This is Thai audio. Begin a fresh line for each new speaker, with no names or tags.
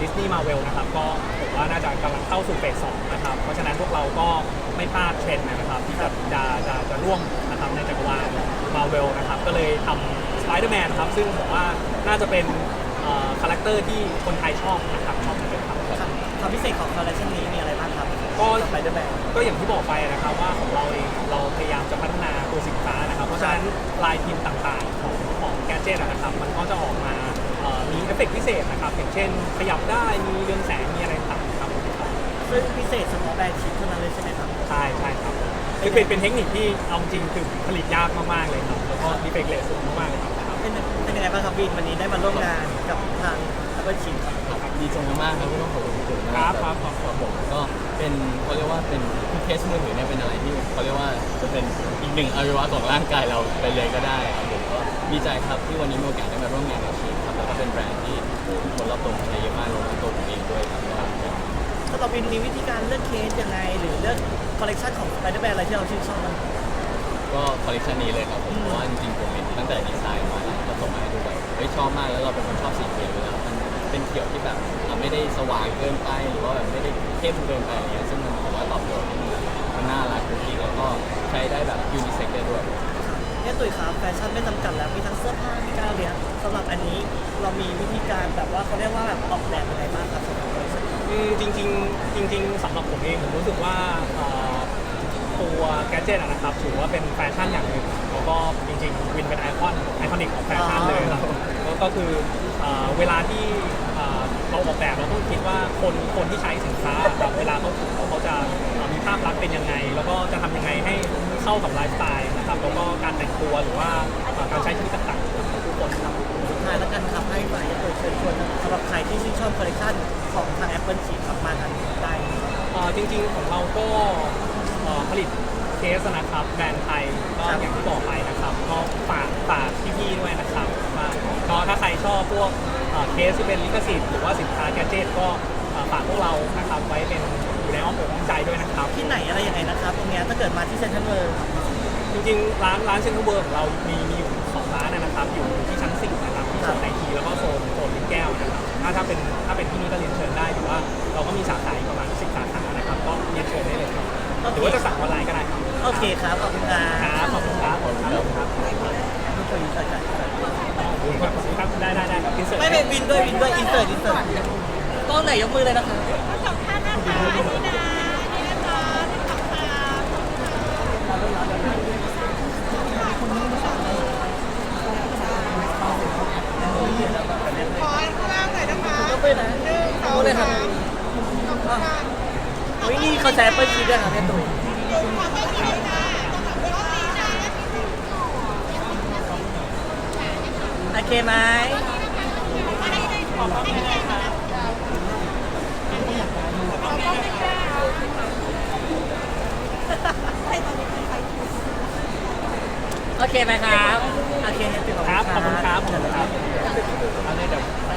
ดิสนีย์มาเวลนะครับก็ผมว่าน่าจะกำลังเข้าสู่เฟส 2นะครับเพราะฉะนั้นพวกเราก็ไม่พลาดเทรนด์นะครับที่จะร่วมนะครับในจักรวาลมาเวลนะครับก็เลยทำ Spider-Man ครับซึ่งผมว่าน่าจะเป็นคาแรคเตอร์ที่คนไทยชอบนะครับชอบกันเลยครับ
ความพิเศษของคอลเลคชันนี้มีอะไรบ้างครับ
ก็
Spider-Man
ก็อย่างที่บอกไปนะครับว่าของเราเองเราพยายามจะพัฒนาตัวสินค้านะครับเพราะฉะนั้นลายพิมพ์ต่างๆของแกดเจ็ตนะครับมันก็จะออกมามีเอฟเฟกต์พิเศษนะครับอย่างเช่นขยับได้มีเรืองแสงมีอะไรต่างๆครับ
ซึ่งพิเศษเฉพาะแบรนด์ชิปเท่านั้นเลยใช่ไหมครับ
ใช่ครับคือเป็นเทคนิคที่เอาจริงคือผลิตยากมากๆเลยครับแล้วก็ดีเฟกต์เรทสูงมากๆเลยครับ
เป็นยังไงบ้างครับวินวันนี้ได้มาร่วมงานกับทาง Apple Chip
ครับดีใจมากๆครับที่ต้องขอบคุณคุณมากครับผมก็เป็นเขาเรียกว่าเป็นเคสมือถือเนี่ยเป็นอะไรที่เขาเรียกว่าจะเป็นอีกหนึ่งอวัยวะของร่างกายเราไปเลยก็ได้ครับผมก็ดีใจครับที่วันนี้มีโอกาสได้มาร่วมงานกับชิปครับแล้วก็เป็นแบรนด์ที่คนรอบตัวใช้เยอะมากรวมถึงตัวผมเองด้วยครับ
สำหรับวินมีวิธีการเลือกเคสยังไงหรือเลือกคอลเลคชันของ Spider-Man อะไรที่เราชื่นชอบมัน
ก็คอลเลคชันนี้เลยครับผมเพราะว่าจริงๆผมเห็นตั้งแต่ดีไซน์มาแล้วก็ส่งมาให้ดูแบบชอบมากแล้วเราเป็นคนชอบสีเขียวอยู่แล้วมันเป็นเขียวที่แบบไม่ได้สว่างเกินไปหรือว่าแบบไม่ได้เข้มเกินไปอะไรเงี้ยซึ่งมันผมว่าตอบโจทย์มันน่ารักจริงๆแล้วก็ใช้ได้แบบยูนิเซ็กได้ด้วย
เนี่ยตุ๋ยครับแฟชั่นไม่จำกัดแล้วมีทั้งเสื้อผ้ามีการเรียนสำหรับอันนี้เรามีวิธีการแบบว่าเขาเรียกว่าแบบออกแบบยังไงบ้างครับสำหรับคอลเลคชัน
จริงสำหรับผมเองผมรู้สึกว่าตัวแกดเจ็ตนะครับถือว่าเป็นแฟชั่นอย่างหนึ่งแล้วก็จริงๆวินเป็นไอคอนิกของแฟชั่นเลยครับก็คือเวลาที่เราออกแบบเราต้องคิดว่าคนที่ใช้สินค้าครับเวลาเขาถือเขาจะมีภาพลักษณ์เป็นยังไงแล้วก็จะทำยังไงให้เข้ากับไลฟ์สไตล์นะครับแล้วก็การแต่งตัวหรือว่าการใช้ชีวิตต่างๆของทุกคนครับ
สุดท้ายแล้วกันครับให้ฝ่ายตุ๋ยเชิญชวนสำหรับใครที่ชื่นชอบคอลเลคชันของทาง Apple Chip ครับมาทางได้
จริงๆของเราก็ผลิตเคสนะครับแบรนด์ไทยก็อย่างที่บอกไปนะครับก็ฝากพี่ๆด้วยนะครับก็ถ้าใครชอบพวกเคสที่เป็นลิขสิทธิ์หรือว่าสินค้าแกดเจ็ตก็ฝากพวกเรานะครับไว้เป็นอยู่ในอ้อมอกอ้อมใจด้วยนะครับ
ที่ไหนอะไรยังไงนะครับตรงนี้ถ้าเกิดมาที่เซ็นทรัลเวิลด์
จริงๆร้านเซ็นทรัลเวิลด์ของเรามีอยู่2ร้านนะครับอยู่ที่ชั้น4นะครับที่โซนไอทีแล้วก็โซนลิ้นแก้วนะครับถ้าเป็นที่นี่ก็เรียนเชิญได้หรือว่าเราก็มีสาขาประมาณ10 สาขานะครับก็เรียนเชิญได้เลยครับหรือว่าจะสั่งออนไลน์ก็ได้ครับ
โอเคครับขอบคุณครับ
ขอบคุณครับ
ทุกคนอินเสิร์ตกัน
ครับได้อินเสิร์ต
ไม่เป็นวินด้วยอินเสิร์ตต้องไหนยกมือเลยนะคะ
สองท่านนะคะอันนี้นะอันนี้นะคะสองท่านขอข้างล่างหน่อยนะคะ
ยกมือนะ
1 2 3ขอบคุณค่ะ
โอ้ยนี่เขาใช้Apple Chipด้วยค่ะแม่ตุ๋ย
ขอให้ดีนะ
โอเคไหมโอเคไหมครับโอเค
ครับขอบคุณครับอันนี้เดี๋ยว